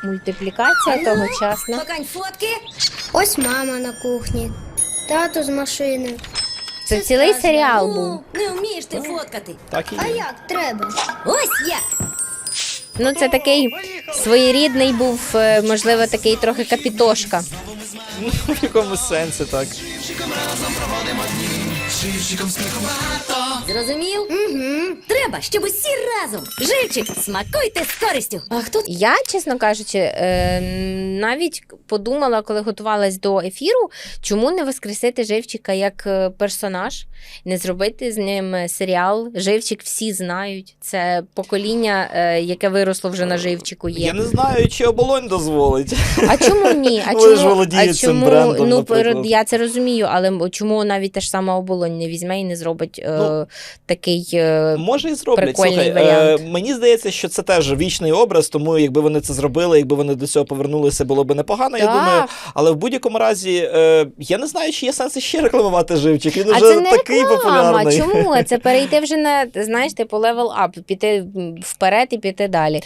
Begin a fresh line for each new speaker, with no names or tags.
Мультиплікація тогочасна.
Покань фотки.
Ось мама на кухні, тато з машини.
Це цілий серіал був.
Не вмієш ти фоткати.
Так і
А
є.
як треба?
Ось як.
Ну, це такий своєрідний був, можливо, такий трохи капітошка.
Ну, в якомусь сенсі, так.
Зрозумів?
Угу.
Треба, щоб усі разом. Живчик, смакуйте з користю. А хто
Я, чесно кажучи, навіть подумала, коли готувалась до ефіру, чому не воскресити Живчика як персонаж, не зробити з ним серіал. Живчик всі знають. Це покоління, яке виросло вже на Живчику є.
Я не знаю, чи оболонь дозволить.
А чому ні? А
Ви ж володієте цим брендом,
ну,
наприклад.
я це розумію, але чому навіть та ж сама оболонь не візьме і не зробить такий
Може і зроблять.
прикольний
Слухай,
варіант.
мені здається, що це теж вічний образ, тому якби вони це зробили, якби вони до цього повернулися, було б непогано, я
Так.
думаю. Але в будь-якому разі, я не знаю, чи є сенс ще рекламувати Живчик. Він
А
уже
це не
такий
реклама.
популярний.
Чому? Це перейти вже на, знаєш, типу level up, піти вперед і піти далі.